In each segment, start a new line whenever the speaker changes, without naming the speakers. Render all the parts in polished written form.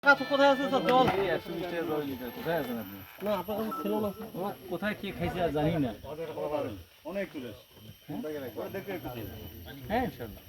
কোথায় আছে স্যার জল?
কোথায় আছেন আপনি?
না আপনার কাছে ছিল না।
কোথায় কে খাইছে আর জানি না।
অনেক টুরিস্ট
হ্যাঁ ইনশাআল্লাহ।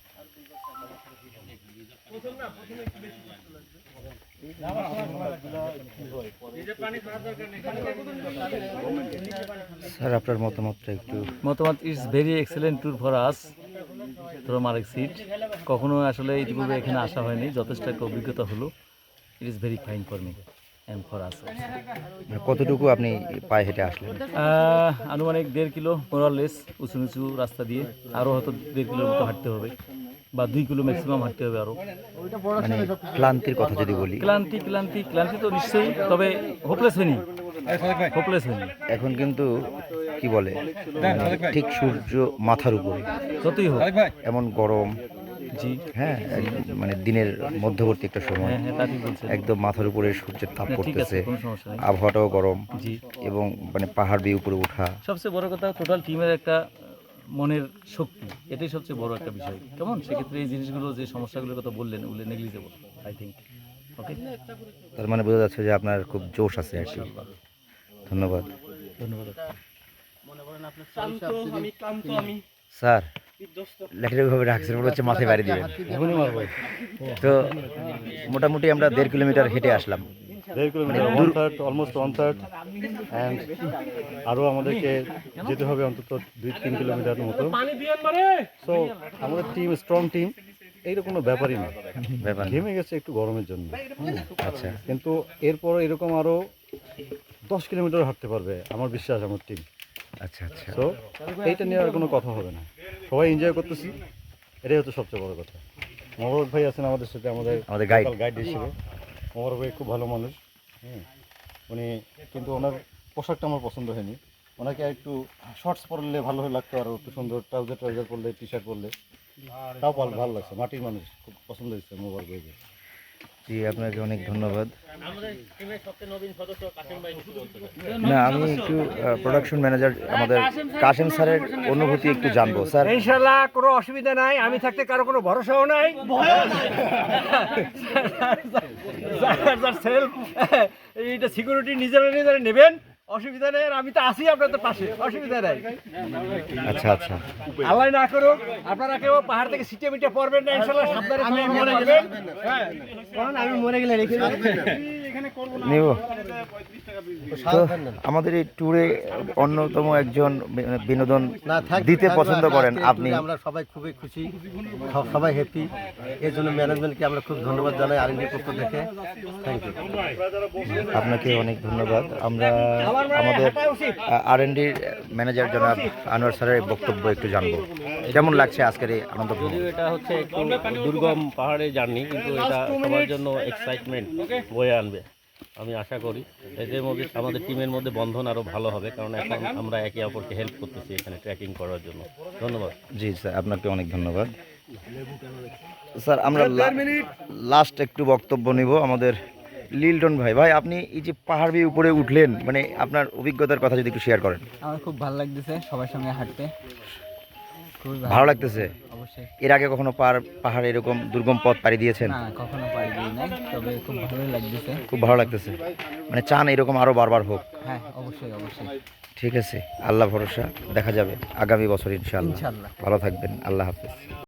স্যার আপনার মতামতটা একটু।
মতামত is very excellent tour for us from আরেক সিট। কখনো আসলে ইতিপূর্বে এখানে আসা হয়নি, যথেষ্ট একটা অভিজ্ঞতা হলো। It is very fine for me and for us.
কতটুকু আপনি পায়ে হেঁটে আসলেন?
আনুমানিক 1.5 কিলো মোরালেস উঁচু নিচু রাস্তা দিয়ে, আরও হয়তো 1.5 কিলোর মতো হাঁটতে হবে বা 2 কিলো ম্যাক্সিমাম হাঁটতে হবে আরও।
মানে ক্লান্তির কথা যদি বলি,
ক্লান্তি তো নিশ্চয়ই, তবে হোপলেস হয়নি।
এখন কিন্তু কি বলে ঠিক সূর্য মাথার উপরে,
যতই হোক
এমন গরম।
জি
হ্যাঁ, মানে দিনের মধ্যবর্তী একটা সময়,
হ্যাঁ হ্যাঁ তা ঠিক বলছেন।
একদম মাথার উপরে সূর্যের তাপ
না, ঠিক আছে,
পড়তেছে,
কোনো সমস্যা নেই।
আবহাওয়াটাও গরম
জি,
এবং মানে পাহাড় বেয়ে উপরে ওঠা।
সবচেয়ে বড় কথা টোটাল টিমের একটা মনের শক্তি, এটাই সবচেয়ে বড় একটা বিষয়। কেমন সেক্ষেত্রে এই জিনিসগুলো, যে সমস্যাগুলোর কথা বললেন, ওগুলো নেগলিজেবল আই থিঙ্ক। ওকে,
তার মানে বোঝা যাচ্ছে যে আপনার খুব জোশ আছে আর কি। ধন্যবাদ।
ধন্যবাদ।
ক্লান্ত আমি, ক্লান্ত আমি।
স্যার
বিধ্বস্ত।
লেখালেখিভাবে রাখছেন, মনে হচ্ছে মাথায় বাড়ি দিবেন।
এখনই মারবো।
তো মোটামুটি আমরা 1.5 কিলোমিটার হেঁটে আসলাম।
1.5 কিলোমিটার, 1/3, অলমোস্ট 1/3, অ্যান্ড আরও আমাদেরকে যেতে হবে অন্তত 2-3 কিলোমিটার মতো।
পানি দিয়েন মানে?
সো আমাদের টিম স্ট্রং টিম, এইরকম কোনো ব্যাপারই না।
ব্যাপার না।
ঘেমে গেছে একটু গরমের জন্য,
আচ্ছা,
কিন্তু এরপর এরকম আরও 10 কিলোমিটার হাঁটতে পারবে আমার বিশ্বাস, আমার টিম।
আচ্ছা, আচ্ছা।
সো এইটা নিয়ে আর কোনো কথা হবে না, সবাই এনজয় করতেছি, এটাই হচ্ছে সবচেয়ে বড় কথা। মোবারক ভাই আছেন আমাদের সাথে, আমাদের গাইড হিসেবে। মোবারক ভাই খুব ভালো মানুষ, উনি, কিন্তু ওনার পোশাকটা আমার পছন্দ হয়নি। ওনাকে একটু শর্টস পরলে ভালো লাগতো, আর একটু সুন্দর ট্রাউজার পরলে, টি শার্ট পরলে, তাও ভালো লাগছে। মাটির মানুষ, খুব পছন্দ হয়েছে মোবারক ভাইকে।
জি, আপনাকে অনেক ধন্যবাদ।
আমাদের টিমের সবচেয়ে নবীন সদস্য কাসেম ভাই কিছু বলতে পারেন?
না, আমি একটু প্রোডাকশন ম্যানেজার আমাদের কাশেম স্যারের অনুভূতি একটু জানবো। স্যার,
ইনশাআল্লাহ কোনো অসুবিধা নাই, আমি থাকতে কারো কোনো ভরসাও নাই। এইটা সিকিউরিটি নিজেরা নেবেন, অসুবিধা নেই। আর আমি তো আছি আপনাদের পাশে, অসুবিধা নাই।
আচ্ছা আচ্ছা,
আল্লাহ না করুক আপনারা কেউ পাহাড় থেকে সিটে মিটে পড়বেন না, ইনশাআল্লাহ সাবধানে মরে গেলেন।
আমি মরে গেলে রেখে
নেব। তো আমাদের এই ট্যুরে অন্যতম একজন বিনোদন দিতে পছন্দ করেন আপনি।
আমরা সবাই খুবই খুশি, সবাই হ্যাপি। এর জন্য ম্যানেজমেন্টকে আমরা খুব ধন্যবাদ জানাই, আরএনডি পক্ষ থেকে। Thank you.
আপনাকে অনেক ধন্যবাদ। আমরা আমাদের আরএনডির ম্যানেজার জনাব আনোয়ার স্যারের বক্তব্য একটু জানবো। কেমন লাগছে আজকের এই আনন্দ?
যদিও এটা হচ্ছে একটু দুর্গম পাহাড়ে জার্নি, কিন্তু এটা সবার জন্য এক্সাইটমেন্ট বয়ে আনবে আমি আশা করি। এদের মধ্যে আমাদের টিমের মধ্যে বন্ধন আরও ভালো হবে, কারণ এখন আমরা একে অপরকে হেল্প করতেছি এখানে ট্রেকিং করার জন্য। ধন্যবাদ।
জি স্যার, আপনাকে অনেক ধন্যবাদ। স্যার, আমরা লাস্ট একটু বক্তব্য নিব আমাদের লিলটন ভাই। ভাই, আপনি এই যে পাহাড় বেয়ে উপরে উঠলেন, মানে আপনার অভিজ্ঞতার কথা যদি একটু শেয়ার করেন।
আমার খুব ভালো লাগতেছে সবার সঙ্গে হাঁটতে, খুবই
ভালো লাগতেছে?
অবশ্যই।
এর আগে কখনো পাহাড় এরকম দুর্গম পথ পাড়ি দিয়েছেন?
না, কখনো পারি দিই নাই, তবে খুব ভালোই লাগতেছে।
খুব ভালো লাগতেছে, মানে চান এরকম আরো বারবার হোক?
হ্যাঁ, অবশ্যই অবশ্যই।
ঠিক আছে, আল্লাহ ভরসা, দেখা যাবে আগামী বছর ইনশাআল্লাহ।
ইনশাআল্লাহ।
ভালো থাকবেন, আল্লাহ হাফেজ।